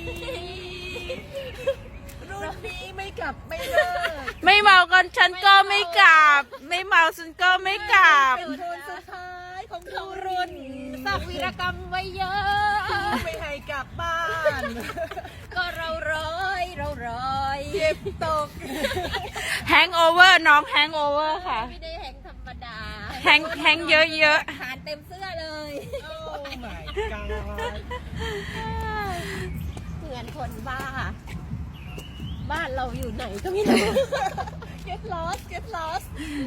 รุ่นนี้ไม่กลับไม่เลิกไม่เมากันฉันก็ไม่กลับ ไม่เมาฉันก็ไม่กลับเป็นคนสุดท้ายของของรุ่รุ่นนสร้างวีรกรรมไว้เยอะไม่ให้กลับบ้านก็เราร้อยเก็บตกแฮงโอเวอร์น้องแฮงโอเวอร์ค่ะไม่ได้แหงธรรมดาแฮงเยอะทานเต็มเสื้อเลยโอ้ my god เหมือนคนบ้า บ้านเราอยู่ไหนก็ไม่รู้ get lost get lost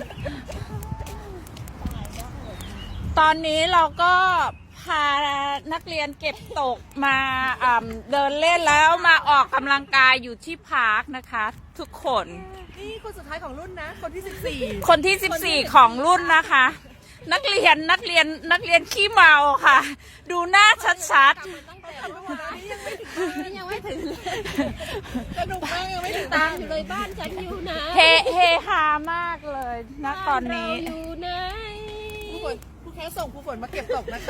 ๆ ตอนนี้เราก็พานักเรียนเก็บตกมาเดินเล่นแล้วมาออกกำลังกายอยู่ที่พาร์คนะคะ ทุกคนนี่คนสุดท้ายของรุ่นนะ คนที่คนที่ 14 ของรุ่นนะคะ นักเรียนขี้เมาค่ะ ดูหน้าชัด 14ทำไปหมดแล้วนี่ยังไม่ถึงยังไม่ถึงเลยสนุกมากยังไม่ถึงตามอยู่เลยบ้านฉันอยู่ไหนเฮฮามากเลยนะตอนนี้บ้าเราอยู่ไหนผู้แค่ส่งผู้ฝนมาเก็บตกนะคะ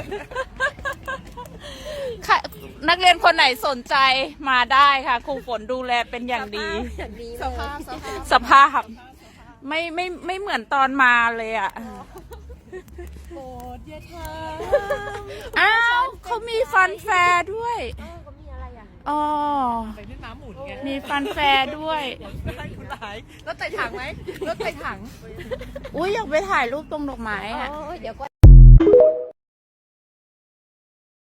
ค่ะนักเรียนคนไหนสนใจมาได้ค่ะครูฝนดูแลเป็นอย่างดีอย่างดีสเลยภาพสภาพไม่เหมือนตอนมาเลยอ่ะโปรดอย่าทอ้าวเขามีฟันแฟร์ด้วยเขามีอะไรอ่ะอ๋อำไปเล่นน้ำหมุนไงมีฟันแฟร์ด้วยได้คุณหลายรถไต่ถังไหมรถไต่ถังอุ้ยอยากไปถ่ายรูปตรงดอกไม้อ๋อ่ะอเดี๋ยวก็